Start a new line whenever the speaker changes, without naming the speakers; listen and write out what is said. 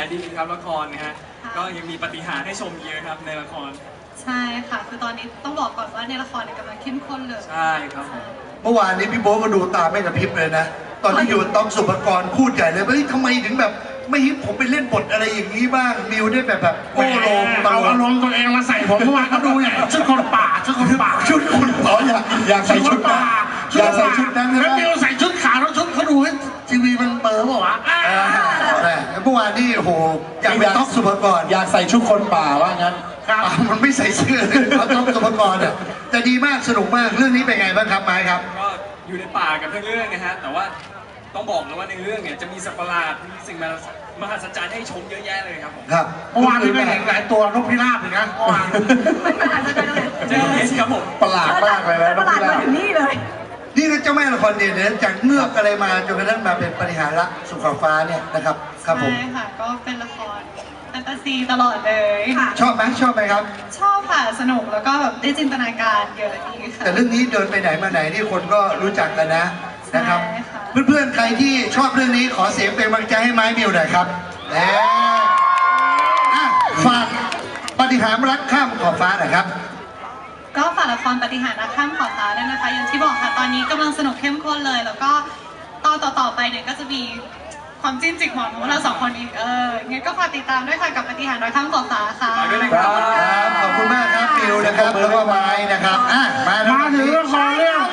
ดีครับละครนะฮะก็ยังมีปาฏิหาริย์ให้ชมเยอะครับในละคร
ใช่ค่ะคือตอนนี้ต้องบอกก่อนว่าในละครกำลังเข้มข้นเลย
ใช่ครับ
เมื่อวานนี้พี่โบ๊ทก็ดูตาไม่กระพริบเลยนะตอนที่อยู่ต้องสุภกรพูดใหญ่เลยเฮ้ยทำไมถึงแบบไม่ฮิปผมไปเล่นบทอะไรอย่างนี้บ้างมิวได้แบบโอ้โห
เอาอารมณ์ตัวเองมาใส่ผมเมื่อวานก็ดูเนี่ยชุดคนป่าชุดคนป่า
ชุดคุณอ๋ออยากใส่ชุดป่าอยากใส่ชุดนั้น
แล้วมิวใส่ชุดขาวแล้วชุดเขาดูให้ทีวีมันเปิดเปล่าวะ
เมื่อวานนี่โอ้โหอยากเป็นต้องสุภกร
อยากใส่ชุดคนป่าว่างั้น
มันไม่ใส่เสื้อเลยต้องสุภกรเนี่ยแต่ดีมากสนุกมากเรื่องนี้เป็นไงบ้างครับไม้ครับ
ก็อยู่ในป่ากับเรื่องนะฮะแต่ว่าต้องบอกเลยว่าในเรื่องเนี่ยจะมีสัตว์ประหลาดมีสิ่งมหัศจรรย์ให้ชมเยอะแยะเลยครับผม
ครับ
เมื่อวานนี้ก็เห็นหลายตัวนกพิราบเลยนะเมื่อวาน
มหัศจรรย์เลย
เจอเอสครับผม
ประหลาดมากเลยนะ
ประหลาดมาถึงนี่เลย
นี่ก็เจ้าแม่ละครเด่นเนี่ยจากเงือกอะไรมาจนกระทั่งมาเป็นปฏิหารละสุขฟ้าเนี่ยนะครับครับผม
ใช่ค่ะก็เป็นละครแฟนตาซีตลอดเลยค่ะ
ชอบไหมครับ
ชอบค่ะสนุกแล้วก็แบบได้จินตนาการเยอะดีค่ะ
แต่เรื่องนี้เดินไปไหนมาไหนนี่คนก็รู้จักกันนะครับเพื่อนๆใครที่ชอบเรื่องนี้ขอเสียงเป็นกำลังใจให้ไม้มิวหน่อยครับฝากปฏิหารรักข้ามขอบฟ้าหน่อยครับ
ก็ฝากละครปฏิหารรักข้ามขอบฟ้าด้วยนะคะอย่างที่บอกค่ะตอนนี้กำลังสนุกเข้มข้นเลยแล้วก็ตอนต่อไปเนี่ยก็จะมีความจิ้นจิกหมอนของเราสองคนอีกงั้นก็ฝากติดตามด้วยค่ะกับปฏิหารรักข้ามขอบฟ้าค่ะ
ขอบคุณมากครับมิวนะครับแล้วก็ไม้นะครับ
มาถึงละครเรื่อง